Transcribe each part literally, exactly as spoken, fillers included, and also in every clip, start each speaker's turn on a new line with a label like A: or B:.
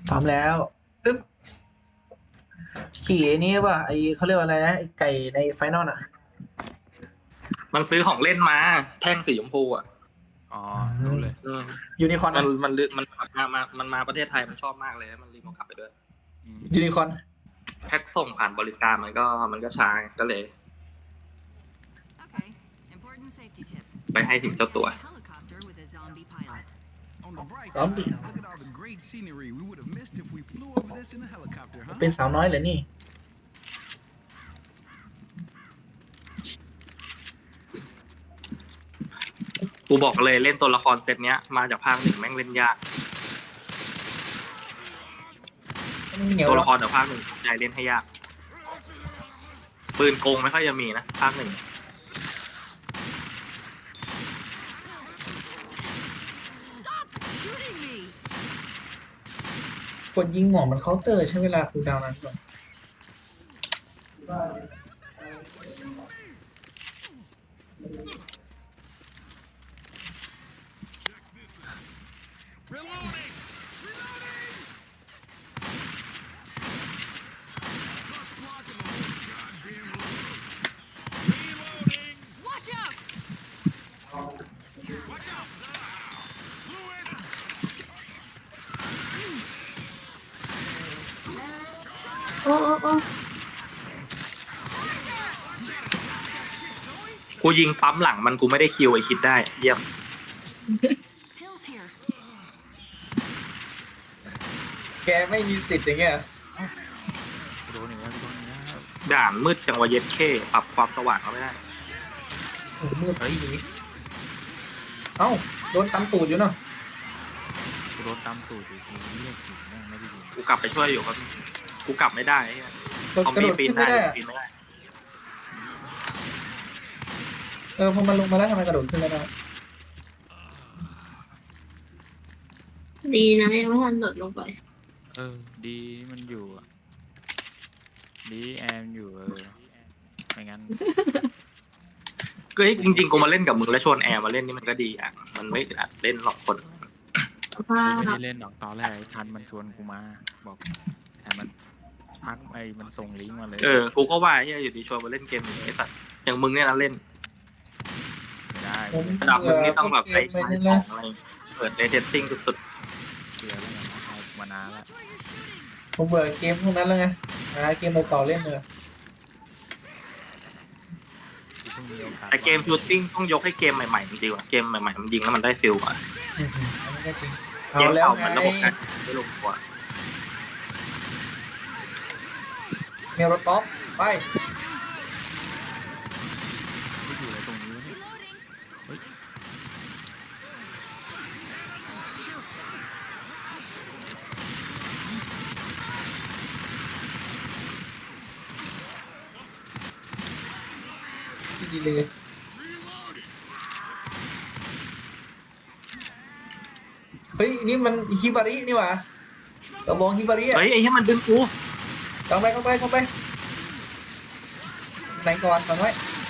A: พร้อมแล้วอึ๊บขี่ไอ้นี้ป่ะไอเขาเรียกว่าอะไรนะไอไก่ในไฟนอลอ่ะ
B: มันซื้อของเล่นมาแท่งสีชมพูอ่ะ
C: อ๋อรู้เลย
A: ยูนิคอร์น
B: มันมันมันมามามันมาประเทศไทยมันชอบมากเลยมันรีโมทกลับไปด้วย
A: ยูนิคอร์น
B: แพ็คส่งผ่านบริการมันก็มันก็ช้าก็เลย
D: Okay. Important safety tip.
B: ไปให้ถึงเจ้าตัว
D: Helicopter with a zombie pilot.
E: On the bright
A: ซอมบี้
E: side, look at all the great scenery we would have missed if we flew over this in a helicopter, huh?
A: เป็นสาวน้อยเหรอนี่
B: กูบอกเลยเล่นตัวละครเซตเนี้ยมาจากภาคหนึ่งแม่งเล่นยาก
A: เหนียว
B: ตัว
A: หร
B: ละ
A: อ
B: ครจากภาคหนึ่งใจเล่นให้ยากปืนโกงไม่ค่อยจะมีนะภาคหนึ่ง
D: Stop shooting me!
A: กดยิงหมอมันเคาน์เตอร์ใช้เวลาคูลดาวน์นานกว่า
D: Watch out!
F: โอ้โอ้โอ้
B: กูยิงปั๊มหลังมันกูไม่ได้คิวไอคิดได้เยี่ยม
D: Pills here.
A: แกไม่มีสิทธิ์อย่างเงี้ย
C: โดนอีกแล้วโดนอีกแล้ว
B: ด่านมืดจังวะเย็ดเข้ปรับความสว่างเขาไม่ได้
A: โอ้โหมืดไปดีเอ้าโดนตำตูดอยู่เนาะ
C: กูโดนตามตูดอยู่ทีเรียกถึงแม่งไม่ได้ยิน
B: กูกลับไปช่วยอยู่ครับกูกลับไม่ได้ไอ้เหี้ย
A: กระ
B: เขา
A: โด
B: มี
A: ด
B: ปีน
A: ขึ้น
B: ได้
A: ไม่ได้อะ
B: ปีนไม่ได้
A: เออพอมันลงมาแล้วทำไมกระโดดขึ้นไม่ได้
F: ดีนะยังไม่ทันหลดลงไป
C: เออดีมันอยู่อะดีแอมอยู่เออไม่งั้น
B: ก็จริงๆกูมาเล่นกับมึงแล้วชวนแอร์มาเล่นนี่มันก็ดีอ่ะมันไม่อัดเล่นหรอกคน
F: ว่า
C: ไม่ได้เล่นหรอกตอนแรกไอ้ทันมันชวนกูมาบอกแต่มันพักไอ้มันส่งลิงก์มาเลย
B: เออกูก็ว่าไอ้เหี้ยอยู่ดีชวนมาเล่นเกมอย่างไอ้สัตว์อย่างมึงเนี่ยนะเล่น
C: ไม่ได้
A: ผม
B: ระดับมึงนี่ต้องแบบไป
A: เกม
B: ขาย
A: ไม่
B: ข
A: ได้
B: องอะไรเปิดเรเทสติ้งสุด
C: เสียแล้วไงนะเอามานานแล้ว
D: Watch where you're shooting!
A: ผมเบื่อเกมพวกนั้นแล้วไงหาเกมต่อๆเล่นเลย
C: กูเพิ่งมีโอกาส
B: ๆแต่เกมชูตติ้งต้องยกให้เกมใหม่ๆมันดีกว่าเกมใหม่ๆมันยิงแล้วมันได้ฟิลกว่า
A: อืมอันนี้ก็จริง
B: เก
A: เอา
B: ม
A: แล้ว
B: เก่า
A: ไง
B: มันระบบการไม่ลงตัว
A: เมลรถท็อปไป
C: กูอยู่อะไรตรงนี้วะเนี่ย
D: Reloading!
A: ดีเลยเฮ้ยนี่มันฮิบารินี่หว่ากระบองฮิบาริอ่ะ
B: เฮ้ยไอ้เหี้ยมันดึงกู
A: เข้าไปเข้าไปเข้าไปไหนก่อนฟังไว้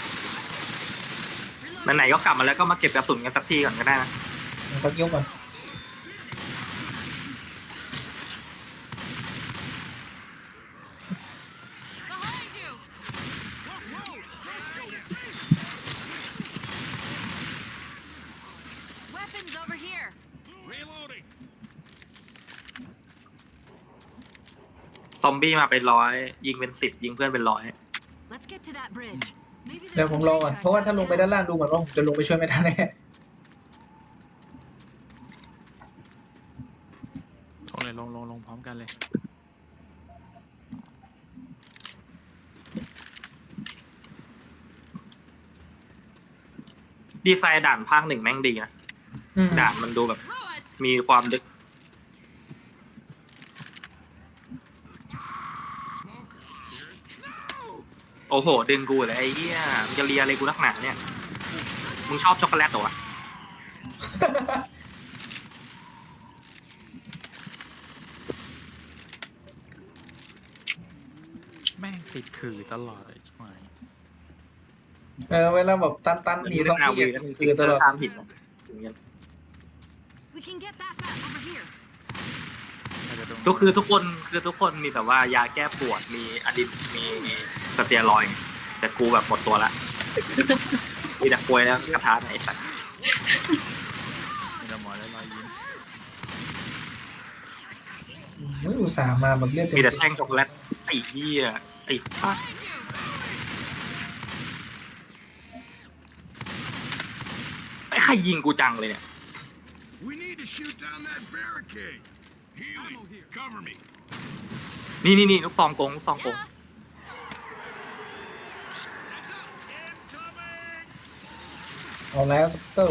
B: ไหนๆก็กลับมาแล้วก็มาเก็บกระสุนกันสักทีก่อนก็ได้นะ
A: สักยกก่อน
D: Behind you! Weapons over here!
B: ซอมบี้มาเป็นร้อยยิงเป็นสิบยิงเพื่อนเป็นร้อย
D: Let's get to that bridge. Maybe
A: เดี๋ยว
D: there's
A: ผม
D: some
A: รอ
D: train
A: ก่อน
D: tracks
A: เพราะว่าถ้าลง
D: out
A: ไป
D: there.
A: ด้านล่างดูเหมือนว่าผมจะลงไปช่วยไม่ทันแน่
C: ลงเลยลงลงลงพร้อมกันเลย
B: ดีไซน์ด่านภาคหนึ่งแม่งดีนะ
A: อืม
B: ด่านมันดูแบบ
D: Ruins!
B: มีความลึกโอ้โห ดึงกูเลยไอ้เหี้ยมึงจะเลียอะไรกูนักหนาเนี่ย มึงชอบช็อกโกแลตเหรอวะ
C: แม่งติดขื่อตลอดเลยใช่ไหม
A: เออเวลาแบบตันตันหนีซอมบี้อะคือตลอด
B: ตามผิดนะอย่างเงี้ย
D: We can get that fat over here.
C: ใคราจะตรง
B: ก็คือทุกคนคือทุกคนมีแบบว่ายาแก้ปวดมีอะดรีมีสเตียรอยด์แต่กูแบบหมดตัวละมีแต่กลวยแล้วกระทะไหนสัตว์
C: มีแต่หมอแล้วรอยยิ้ม
A: ไม่อุตส่าห์มาแบบเลือดเต็ม
B: มีแต่แท่งช็อกโกแลตไอ้เหี้ยไอ้ฟักไอ้ใครยิงกูจังเลยเนี่ย
E: We need to shoot down that barricade. Healing. Cover me.
B: นี่นี่นี่ลูกซองกงลูกซองกง
A: เอาแล้วสเตอร์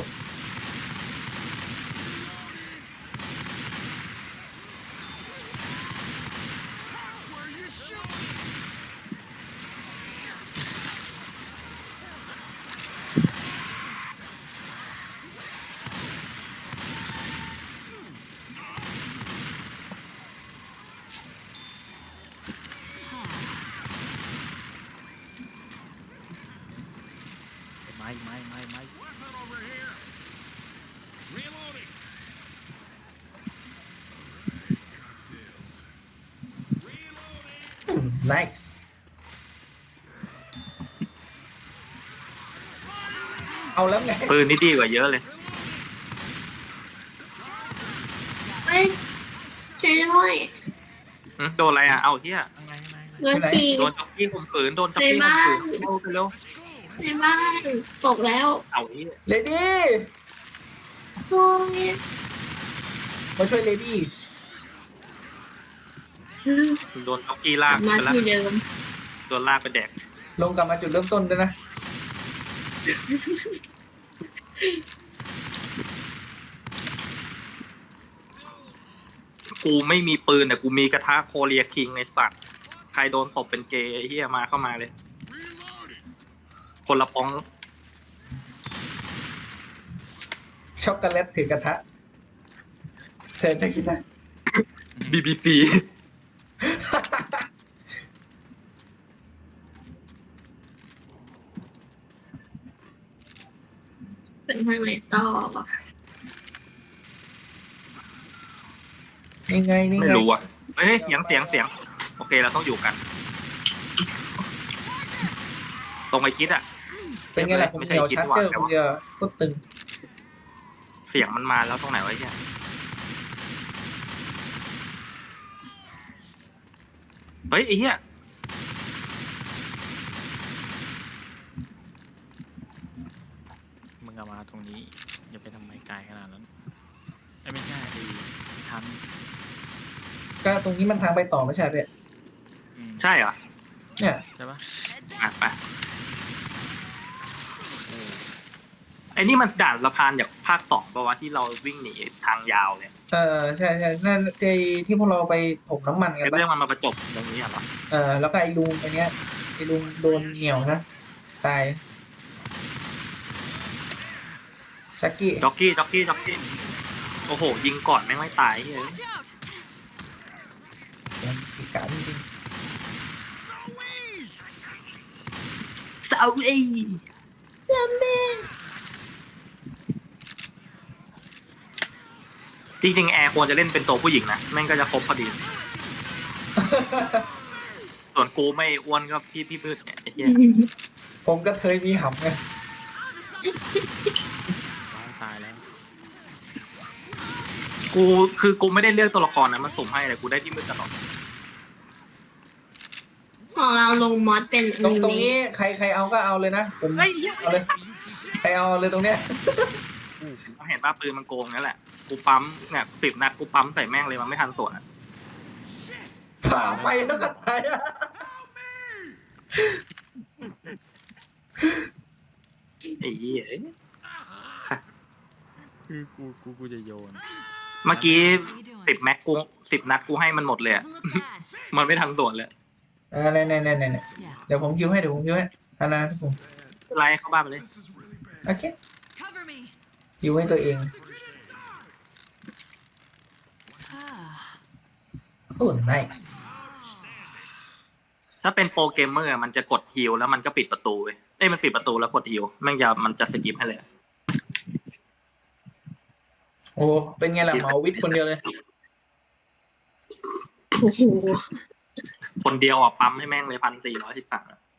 C: ไม้ไม้ไม้ไม้
E: Weapon over here. Reloading. Cocktails. Reloading.
A: nice เอาแล้วไง
B: ปืนนี่ดีกว่าเยอะเลย
F: เฮ้ยช่วยด้วย
B: หึโดนอะไรอ่ะเอาเหี้ย
C: ไงไงไง
F: โดนขี่
B: โดนจ็อกกี้ข่มขืนโดนจ็อกกี้ข่มขืนเร็วไปเร็ว
F: ในบ้านตกแล้ว
B: เอาเหี้ย
A: เลดี้
F: โอ้ย
A: มาช่วยเลดี้
B: โดนจ็อกกี้ลาก
F: มา
B: ไปแล้ว
F: ที่เดิม
B: โดนลากไปแดก
A: ลงกลับมาจุดเริ่มต้นด้วยนะ
B: กูไม่มีปืนแต่กูมีกระทะโคเรียคิงไอ้สัตว์ใครโดนตบเป็นเกย์ไอ้เหี้ยมาเข้ามาเลย
E: Reloading.
B: คนละป้อง
A: ช็อกโกแลตถือกระทะเสร็จจะคิดนะ
B: บี บี ซี
F: เป็นทางไหนต่อวะ
A: นี่ไงนี่
B: ไม่
A: ไง
B: รู้อ่ะเฮ้ยเสียงเสียงเสียงโอเคเราต้องอยู่กัน ตรงไอคิดอ่ะ
A: เป็นไงล่ะผม
B: ไม่
A: เห
B: ใช่
A: นียว
B: คิด
A: ชาร์
B: ว่า
A: เจอร์
B: แต่
A: คน
B: ว่า
A: เดียวโคตรตึง
B: เสียงมันมาแล้วตรงไหนวะเนี่ยเฮ้ยไอ้เหี้ย
C: มึงเอามาตรงนี้อย่าไปทำไมไกลขนาดนั้นไอ้ไม่ใช่ไอ้ทัน
A: ก็ตรงนี้มันทางไปต่อไม่ใช่เพ่
C: อืม
B: ใช่เหรอ
A: เนี่ย
C: ใช่ปะ
D: Heads
B: อ่ะ
D: up.
B: ไปไอ้นี่มันด่านสะพานจากภาคสองป่าวะที่เราวิ่งหนีทางยาวเนี่ย
A: เออใช่ใช่นั่นเจที่พวกเราไปถมน้ำมันกัน
B: ไอ้
A: ปะ
B: เรื่องมันมาประจบตรงนี้เหรอ
A: เออแล้วก็ไอ้ลุงไอ้เนี้ยไอ้ลุงโดนเหนียวนะตายชักกี้
B: จ็อกกี้จ็อกกี้จ็อกกี้โอ้โหยิงก่อนไม่งไม่ตายเฮ้ย
D: Watch out.
A: อีกการจริง
B: ซาอุเอจริงๆแอร์ควรจะเล่นเป็นตัวผู้หญิงนะแม่งก็จะครบพอดี ส่วนกูไม่อ้วนก็พี่พี่พืชเนี่ยไอ้เหี้ย
A: ผมก็เคยมีหำไง
C: ร้องตายแล้ว
B: กูคือกูไม่ได้เลือกตัวละครนะมันสุ่มให้แต่กูได้พี่มืดตลอด
F: ของเราลงมอสเป็น
A: ตรง
F: อ
A: ตรง
F: นิ
A: นี้
F: เมะ
A: ใครใครเอาก็เอาเลยนะผมเอาเลยใครเอาเลยตรงเนี้ย
B: เห็นป่ะปืนมันโกงนั่นแหละกูปั๊มเนี่ยสิบนัดกูปั๊มใส่แม่งเลยมันไม่ทันสวนอะ
A: ผ่าไฟแล้วก็ตายอะ
B: ไอ้เหี้ย
C: คือกูกูกูจะโยน
B: เมื่อกี้
D: How you doing?
B: สิบแม็กกูสิบนัดกูให้มันหมดเลยอะ
D: Doesn't look bad.
B: มันไม่ทันสวนเลย
A: เออเนี่ยเนี่ยเนี่ยเนี่ย
D: Yeah.
A: เดี๋ยวผมคิวให้เดี๋ยวผมคิวให้อานาผม
B: ไล่เข้าบ้านไปเลย
E: This is really bad.
A: โอเค
D: Cover me.
A: คิวให้ตัวเอง
D: Ah.
A: โอ้ nice
B: ถ้าเป็นโปรเกมเมอร์มันจะกดฮิลแล้วมันก็ปิดประตูเว้ยเอ้ยมันปิดประตูแล้วกดฮิลแม่งจะมันจะสกิปให้เลย
A: โอ้เป็นไงล่ะหมอวิทย์คนเดียวเลย
F: โอ้โห
B: คนเดียวอ่ะปั๊มให้แม่งเลยพันสี่ร้อยสิบสาม